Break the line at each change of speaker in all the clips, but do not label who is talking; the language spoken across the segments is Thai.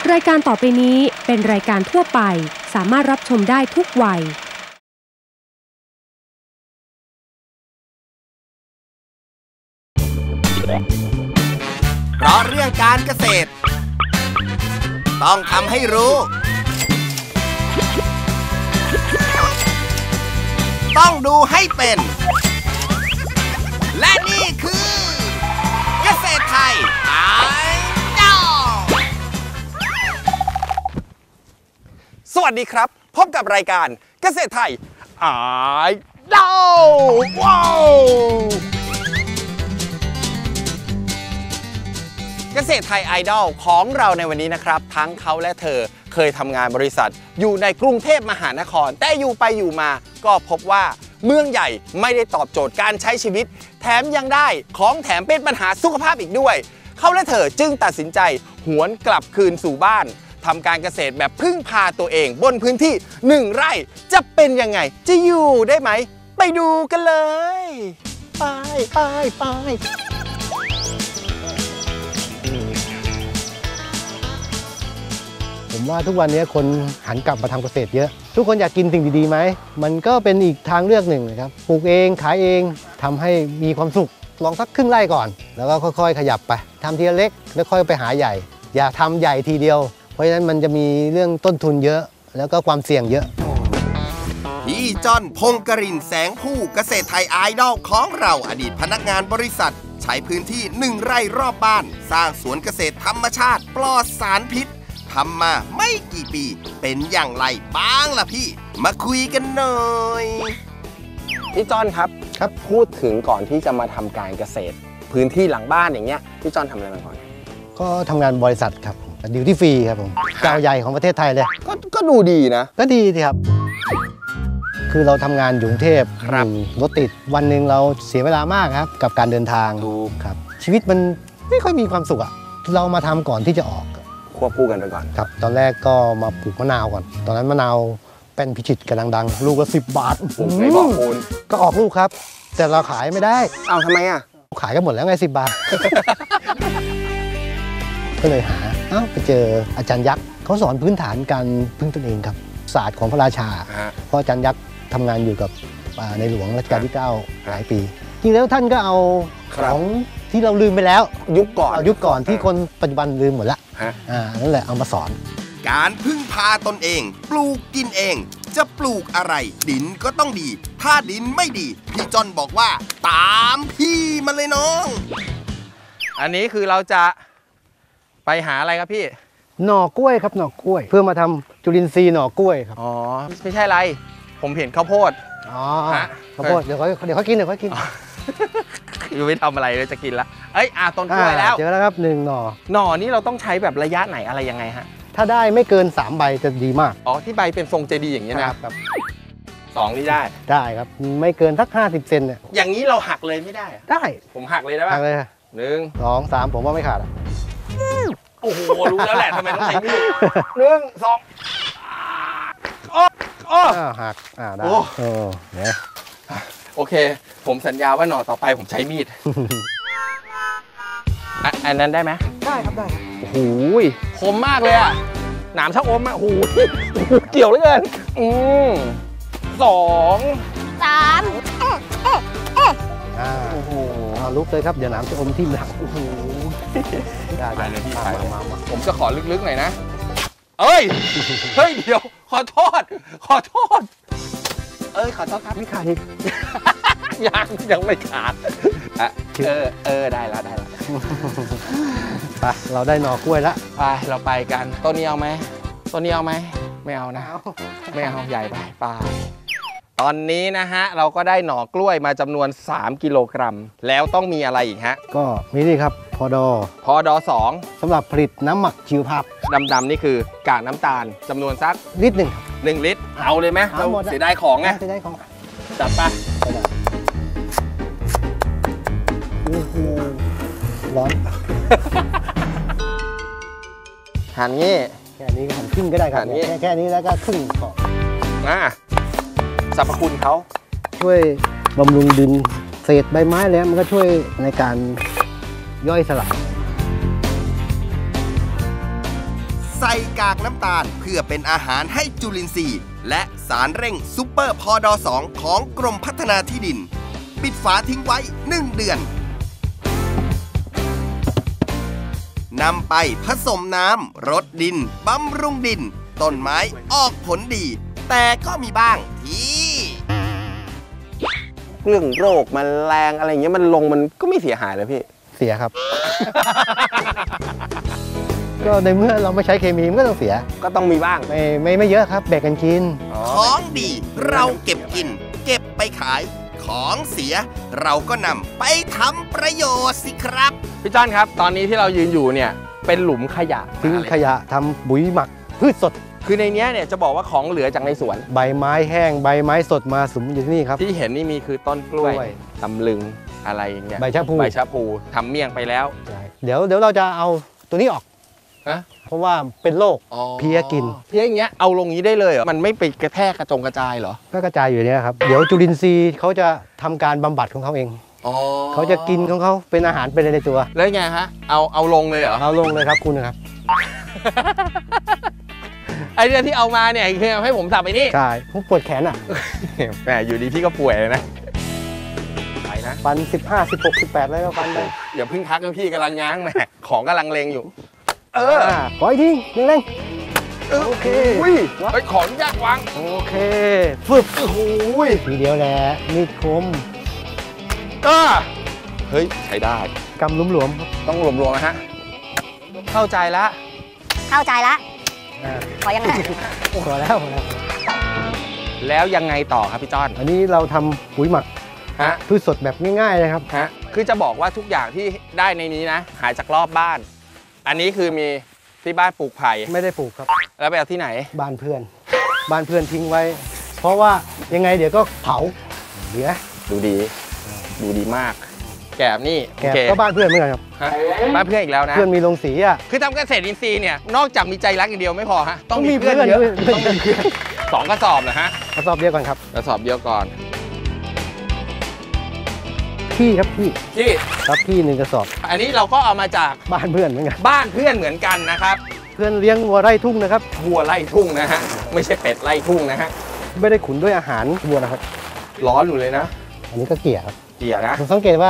รายการต่อไปนี้เป็นรายการทั่วไปสามารถรับชมได้ทุกวัย
เพราะเรื่องการเกษตรต้องทำให้รู้ต้องดูให้เป็นและนี่คือเกษตรไทยไอดอลสวัสดีครับพบกับรายการเกษตรไทยไอดอลว้าวเกษตรไทยไอดอลของเราในวันนี้นะครับทั้งเขาและเธอเคยทำงานบริษัทอยู่ในกรุงเทพมหานครแต่อยู่ไปอยู่มาก็พบว่าเมืองใหญ่ไม่ได้ตอบโจทย์การใช้ชีวิตแถมยังได้ของแถมเป็นปัญหาสุขภาพอีกด้วยเขาและเธอจึงตัดสินใจหวนกลับคืนสู่บ้านทำการเกษตรแบบพึ่งพาตัวเองบนพื้นที่1 ไร่จะเป็นยังไงจะอยู่ได้ไหมไปดูกันเลยไป
ผมว่าทุกวันนี้คนหันกลับมาทำเกษตรเยอะทุกคนอยากกินสิ่งดีๆไหมมันก็เป็นอีกทางเลือกหนึ่งนะครับปลูกเองขายเองทำให้มีความสุขลองสักครึ่งไร่ก่อนแล้วก็ค่อยๆขยับไปทำทีละเล็กแล้วค่อยไปหาใหญ่อย่าทำใหญ่ทีเดียวเพราะฉะนั้นมันจะมีเรื่องต้นทุนเยอะแล้วก็ความเสี่ยงเยอะ
พี่จอนพงกรินทร์แสงผู้เกษตรไทยไอดอลของเราอดีตพนักงานบริษัทใช้พื้นที่1 ไร่รอบบ้านสร้างสวนเกษตรธรรมชาติปลอดสารพิษทำมาไม่กี่ปีเป็นอย่างไรบ้างล่ะพี่มาคุยกันหน่อยพี่จอนครับพูดถึงก่อนที่จะมาทำการเกษตรพื้นที่หลังบ้านอย่างเงี้ยพี่จอนทำอะไรมาก่อน
ก็ทำงานบริษัทครับดิวตี้ฟรีครับผมเจ้าใหญ่ของประเทศไทยเลย
ก็ดูดีนะ
ก็ดีสิครับคือเราทำงานอยู่กรุงเทพรถติดวันหนึ่งเราเสียเวลามากครับกับการเดินทางครับชีวิตมันไม่ค่อยมีความสุขอะเรามาทำก่อนที่จะออก
ควบคู่กันไปก่อน
ครับตอนแรกก็มาปลูกมะนาวก่อนตอนนั้นมะนาวเป็นพิชิตกำลังดังลูกละ10 บาท
ผมไม่บอกคุณ
ก็ออกลูกครับแต่เราขายไม่ได้
อ้าวทำไมอ่ะ
ขายกันหมดแล้วไง10 บาท ก็เลยหาไปเจออาจารย์ยักษ์เขาสอนพื้นฐานการพึ่งตนเองครับศาสตร์ของพระราชาเพราะอาจารย์ยักษ์ทำงานอยู่กับในหลวงรัชกาลที่9หลายปีจริงแล้วท่านก็เอาของที่เราลืมไปแล้วยุคก่อนที่คนปัจจุบันลืมหมดละนั่นแหละเอามาสอน
การพึ่งพาตนเองปลูกกินเองจะปลูกอะไรดินก็ต้องดีถ้าดินไม่ดีพี่จอนบอกว่าตามพี่มาเลยน้องอันนี้คือเราจะไปหาอะไรครับพี่
หน่อกล้วยครับหน่อกล้วยเพื่อมาทำจุลินทรีย์หน่อกล้วยครับ
อ๋อไม่ใช่อะไรผมเห็นข้าวโพด
ข้าวโพดเดี๋ยวเขากิน
ยังไม่ทำอะไรเลยจะกินละต้นกล้วยแล้ว
เจอแล้วครับ1 หน่อ
นี่เราต้องใช้แบบระยะไหนอะไรยังไงฮะ
ถ้าได้ไม่เกิน3 ใบจะดีมาก
ที่ใบเป็นทรงเจดีย์อย่างนี้นะครับ2นี่
ได้ครับไม่เกินสัก50 เซนเนี่ย
อย่างนี้เราหักเลยไม่ได้
ได้
ผมหักเลยได้ป่ะ
หักเลย
1
2 3ผมว่าไม่ขาด
โอ้โหรู้แล้วแหละทำไมต้องใช้มีด1 2
หักได้เนี่ย
โอเคผมสัญญาว่าหน่อต่อไปผมใช้มีดอันนั้นได้ไหม
ได้ครับได้
โอ้โหคมมากเลยอ่ะหนามชักอมอ่ะโอ้โหเกี่ยวเหลือเกิน2
3โอ้โหลุกเลยครับเดี๋ยวหนามจะอมทิ่มหลังโอ้โห
ได้เลยพี่มาผมจะขอลึกๆหน่อยนะเฮ้ยเดี๋ยวขอโทษขอโทษครับ
ไม่ขาดอีก
ยังไม่ขาดได้แล้ว
ไปเราได้หน่อกล้วยแล้ว
ไปเราไปกันต้นนี้เอาไหมไม่เอานะไม่เอาใหญ่ไปตอนนี้นะฮะเราก็ได้หน่อกล้วยมาจำนวน3 กิโลกรัมแล้วต้องมีอะไรอีกฮะ
ก็มีนี่ครับพอดอ2สำหรับผลิตน้ำหมักชีวภาพ
ดำๆนี่คือกากน้ำตาลจำนวนสัก
ลิตร
1 ลิตรเอาเลยไหมเราเสียดายของไงจัดไป
โอ้โหร้อน
หั่นงี้
แค่นี้ก็หั่นครึ่งก็ได้ครับแค่นี้แล้วก็ครึ่งพอ
สรรพคุณเขา
ช่วยบำรุงดินเศษใบไม้แล้วมันก็ช่วยในการย่อยสลาย
ส
ใส่กากน้ำตาลเพื่อเป็นอาหารให้จุลินทรีย์และสารเร่งซุปเปอร์พอดอ2ของกรมพัฒนาที่ดินปิดฝาทิ้งไว้1 เดือนนำไปผสมน้ำรดดินบำรุงดินต้นไม้ออกผลดี แต่ก็มีบ้างที่
เรื่องโรคแมลงอะไรอย่างเงี้ยมันลงมันก็ไม่เสียหายเลยพี่
เสียครับ ก็ในเมื่อเราไม่ใช้เคมีมันก็ต้องเสีย
ก็ต้องมีบ้าง
ไม่เยอะครับแบ่งกันกิน
ของดีเราเก็บกินเก็บไปขายของเสียเราก็นำไปทำประโยชน์สิครับ
พี่จ้อนครับตอนนี้ที่เรายืนอยู่เนี่ยเป็นหลุมขยะ
ทิ้งขยะทำปุ๋ยหมักพืชสด
คือในนี้เนี่ยจะบอกว่าของเหลือจากในสวน
ใบไม้แห้งใบไม้สดมาสุมอยู่ที่นี่ครับ
ที่เห็นนี่มีคือต้นกล้วยตำลึงอะไรอย่างเงี้ย
ใบชะพู
ทำเมี่ยงไปแล้ว
เดี๋ยวเราจะเอาตัวนี้ออกเพราะว่าเป็นโรคเพี้ยกิน
เพี้ยอย่างเงี้ยเอาลงนี้ได้เลยเหรอมันไม่ไปกระแทกกระจายเหรอ
ก็กระจายอยู่เนี่ยครับเดี๋ยวจุลินทรีย์เขาจะทำการบำบัดของเขาเองเขาจะกินของเขาเป็นอาหารไปในตัว
แล้วไงฮะเอาลงเลยเหรอ
เอาลงเลยครับคุณนะครับ
ไอเรื่องที่เอามาเนี่ยคือให้ผมสับไปนี่
ใช่ผมปวดแขนอ่ะ
แหมอยู่ดีพี่ก็ป่วยเลยนะไปนะ
ฟัน15 16 18แล้วก็ฟันไป
อย่าพึ่งพักนะพี่กำลังง้างแหมของกำลังเลงอยู่
ขออีกทีเร่ง
โอเคไปขออนุญาตวาง
โอเคฟึบทีเดียวแหละมีดคม
เฮ้ยใช้ได้
กำหลวม
ๆต้องหลวมๆนะฮะเข้าใจละ
ขอยังไงขอแล้ว
ยังไงต่อครับพี่จ้อน
อันนี้เราทำปุ๋ยหมักพืชสดแบบง่ายๆนะครับ
คือจะบอกว่าทุกอย่างที่ได้ในนี้นะหายจากรอบบ้านอันนี้คือมีที่บ้านปลูกไผ่
ไม่ได้ปลูกครับ
แล้วไปเอาที่ไหน
บ้านเพื่อนทิ้งไว้เพราะว่ายังไงเดี๋ยวก็เผาเดี๋ยว
ดูดีมากแกบนี่
แกบก็บ้านเพื่อนเหมือนกันครับ
บ้านเพื่อนอีกแล้วนะ
เพื่อนมีโรงสีอ่ะ
คือทำเกษตรอินทรีย์เนี่ยนอกจากมีใจรักอย่างเดียวไม่พอฮะต้องมีเพื่อนเยอะต้องมีเพื่อน2 กระสอบเหรอฮะ
กระสอบเดียวก่อนครับ
กระสอบเดียวก่อน
พี่ครับพี่1 กระสอบ
อันนี้เราก็เอามาจาก
บ้านเพื่อนเหมือนกัน
บ้านเพื่อนเหมือนกันนะครับ
เพื่อนเลี้ยงวัวไร่ทุ่งนะครับ
วัวไร่ทุ่งนะฮะไม่ใช่เป็ดไร่ทุ่งนะฮะ
ไม่ได้ขุนด้วยอาหารวัวนะครับ
ร้อนอยู่เลยนะ
อันนี้ก็เกลี่ยครับ
นะ
ผมสังเกตว่า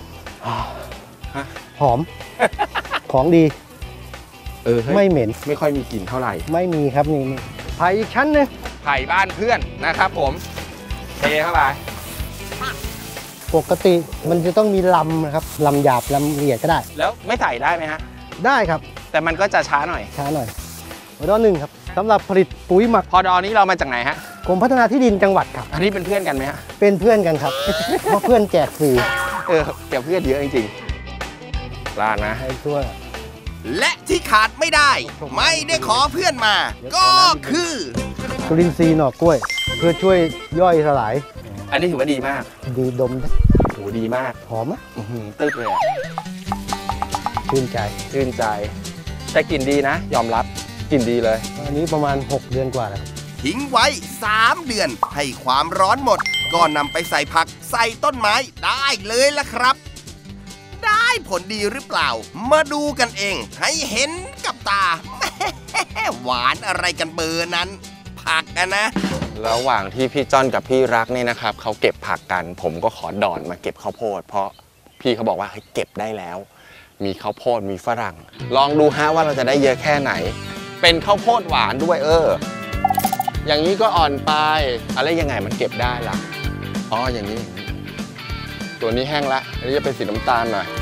หอมของดีไม่เหม็น
ไม่ค่อยมีกลิ่นเท่าไหร่
ไม่มีครับนี่ไผ่อีกชั้นนึง
ไผ่บ้านเพื่อนนะครับผมเทเข้าไป
ปกติมันจะต้องมีลำนะครับลำหยาบลำละเอียดก็ได้
แล้วไม่ใส่ได้ไหมฮะ
ได้ครับ
แต่มันก็จะช้าหน่อย
พอด1ครับสำหรับผลิตปุ๋ยหมัก
พอดนี้เรามาจากไหนฮะ
กรมพัฒนาที่ดินจังหวัดครับ
อันนี้เป็นเพื่อนกันไหมฮะ
เป็นเพื่อนกันครับเพราะเพื่อนแจกฟรี
เดี๋ยวเพื่อนเยอะจริงๆลาดนะ
ให้ตัว
และที่ขาดไม่ได้ไม่ได้ขอเพื่อนมาก็คือ
จุลินทรีย์หน่อกล้วยเพื่อช่วยย่อยสลาย
อันนี้ถือว่าดีมาก
ดีดม
โหดีมาก
หอมไหม
ตึ๊บเลยอ่ะ
ชื่นใจ
แต่กลิ่นดีนะยอมรับกลิ่นดีเลย
อันนี้ประมาณ6 เดือนกว่าแล้ว
ทิ้งไว้3 เดือนให้ความร้อนหมดก็นำไปใส่ผักใส่ต้นไม้ได้เลยล่ะครับได้ผลดีหรือเปล่ามาดูกันเองให้เห็นกับตาหวานอะไรกันเบอร์นั้นผักกันนะ
ระหว่างที่พี่จ้อนกับพี่รักนี่นะครับเขาเก็บผักกันผมก็ขอดอนมาเก็บข้าวโพดเพราะพี่เขาบอกว่าให้เก็บได้แล้วมีข้าวโพดมีฝรั่งลองดูฮะว่าเราจะได้เยอะแค่ไหนเป็นข้าวโพดหวานด้วยอย่างนี้ก็อ่อนไปอะไรยังไงมันเก็บได้ล่ะอย่างนี้ตัวนี้แห้งละอันนี้จะเป็นสีน้ำตาลหน่อย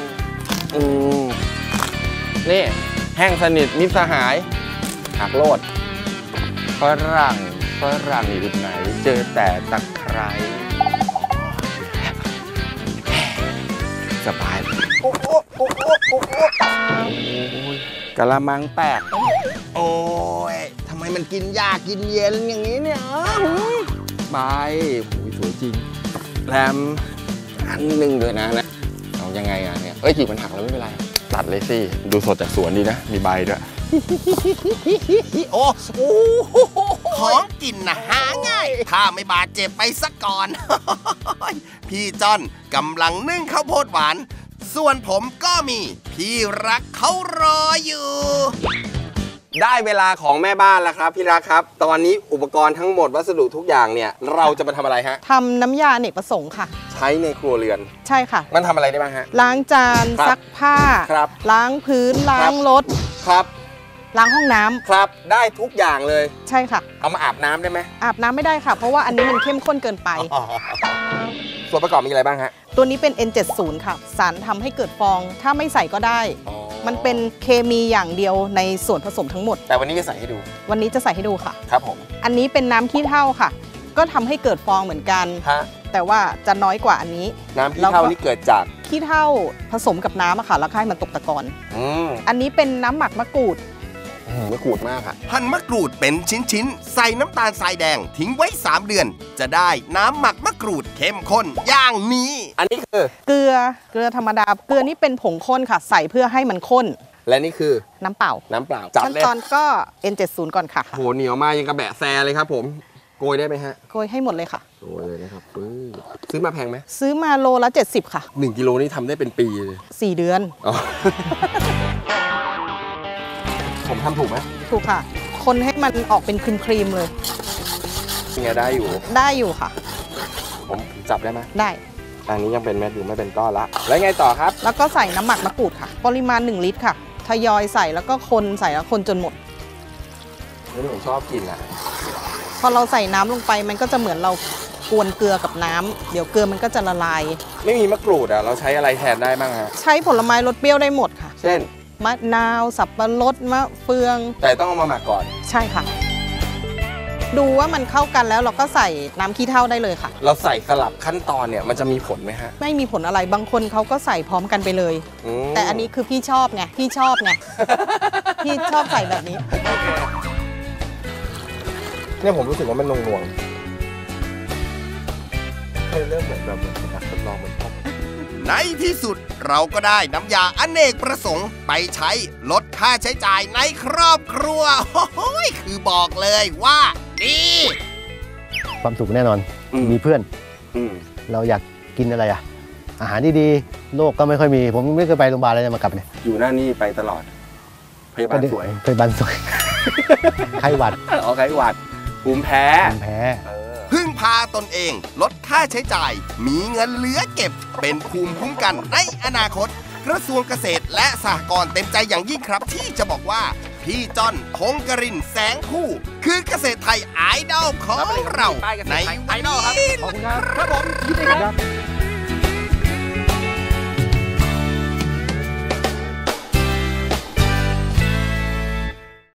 นี่แห้งสนิทมิตรสหายหักโลดฝรั่งอยู่ไหนเจอแต่ตะไคร้สบายกะละมังแตก
โอ้ยทำไมมันกินยากกินเย็นอย่างนี้เนี่ย
ใบสวยจริงแรมอันนึงด้วยนะเอายังไงเนี่ยกิ่งมันหักแล้วไม่เป็นไรตัดเลยสิดูสดจากสวนดีนะมีใบด้วย
โอ้ของกินนะหาง่ายถ้าไม่บาดเจ็บไปซะก่อนพี่จ้อนกำลังนึ่งข้าวโพดหวานส่วนผมก็มีพี่รักเขารออยู่
ได้เวลาของแม่บ้านแล้วครับพี่รักครับตอนนี้อุปกรณ์ทั้งหมดวัสดุทุกอย่างเนี่ยเราจะมาทำอะไรฮะ
ทำน้ำยาอเนกประสงค์ค่ะ
ใช้ในครัวเรือน
ใช่ค่ะ
มันทำอะไรได้บ้างฮะ
ล้างจานซักผ้าล้างพื้นล้างรถ
ครับ
ล้างห้องน้ำ
ครับได้ทุกอย่างเลย
ใช่ค่ะ
เอามาอาบน้ำได้ไหม
อาบน้ำไม่ได้ค่ะเพราะว่าอันนี้มันเข้มข้นเกินไป
ส่วนประกอบมีอะไรบ้างฮะ
ตัวนี้เป็น N70 ค่ะสารทำให้เกิดฟองถ้าไม่ใส่ก็ได้มันเป็นเคมีอย่างเดียวในส่วนผสมทั้งหมด
แต่วันนี้จะใส่ให้ดู
วันนี้จะใส่ให้ดูค่ะ
ครับผม
อันนี้เป็นน้ำขี้เถ้าค่ะก็ทำให้เกิดฟองเหมือนกันแต่ว่าจะน้อยกว่าอันนี้
น้ำขี้เถ้านี่เกิดจาก
ขี้เถ้าผสมกับน้ำอะค่ะแล้วให้มันตกตะกอนอันนี้เป็นน้ำหมักมะกรูด
มะกรูดมากค่ะ
หั่นมะกรูดเป็นชิ้นๆใส่น้ำตาลทรายแดงทิ้งไว้3เดือนจะได้น้ำหมักมะกรูดเข้มข้นอย่างนี้
อันนี้คือ
เกลือธรรมดาเกลือนี่เป็นผงข้นค่ะใส่เพื่อให้มันข้น
และนี่คือ
น้ำเปล่าขั้นตอนก็ N70 ก่อนค่ะ
โหเหนียวมากยังกระแบะแซเลยครับผมโกยได้ไหมฮะ
โกยให้หมดเลยค่ะ
โกยเลยนะครับซื้อมาแพงไหม
ซื้อมาโลละ70ค่ะ
1กิโลนี่ทำได้เป็นปีเลย
4เดือน
ผมทำถูกไหม
ถูกค่ะคนให้มันออกเป็นครีมเลย
ยังไงได้
อยู่ค่ะ
ผมจับได้ไหม
ได้
อันนี้ยังเป็นเม็ดอยู่ไม่เป็นก้อนละแล้วไงต่อครับ
แล้วก็ใส่น้ำหมักมะกรูดค่ะปริมาณ1ลิตรค่ะทยอยใส่แล้วก็คนใส่แล้วคนจนหมด
นี่ผมชอบกินอ่ะ
พอเราใส่น้ำลงไปมันก็จะเหมือนเรากวนเกลือกับน้ำเดี๋ยวเกลือมันก็จะละลาย
ไม่มีมะกรูดอ่ะเราใช้อะไรแทนได้บ้างฮะ
ใช้ผลไม้รสเปรี้ยวได้หมดค่ะ
เช่น
มะนาวสับปะรดมะเฟือง
แต่ต้องเอามาหมักก่อน
ใช่ค่ะดูว่ามันเข้ากันแล้วเราก็ใส่น้ำขี้เถ้าได้เลยค่ะ
เราใส่สลับขั้นตอนเนี่ยมันจะมีผลไหมฮะ
ไม่มีผลอะไรบางคนเขาก็ใส่พร้อมกันไปเลยแต่อันนี้คือพี่ชอบไงพี่ชอบใส่แบบนี้
เนี่ยผมรู้สึกว่ามันนวลเริ่มเหมือนแบบอยากทดลองมันชอบ
ในที่สุดเราก็ได้น้ำยาอเนกประสงค์ไปใช้ลดค่าใช้จ่ายในครอบครัวโอ้ยคือบอกเลยว่าดี
ความสุขแน่นอนมีเพื่อนเราอยากกินอะไรอาหารดีๆโรคก็ไม่ค่อยมีผมไม่เคยไปโรงพยาบาลเลยมากลับเนี่ย
อยู่หน้านี่ไปตลอดพยาบาลสวย
ไข้หวัด
ไข้หวัดภูมิแพ้
พึ่งพาตนเองลดค่าใช้จ่ายมีเงินเหลือเก็บเป็นภูมิคุ้มกันในอนาคตกระทรวงเกษตรและสหกรณ์เต็มใจอย่างยิ่งครับที่จะบอกว่าพี่จ้อนพงกรินทร์แสงคู่คือเกษตรไทยไอดอลของเราในวันนี้
ขอบคุณครับผม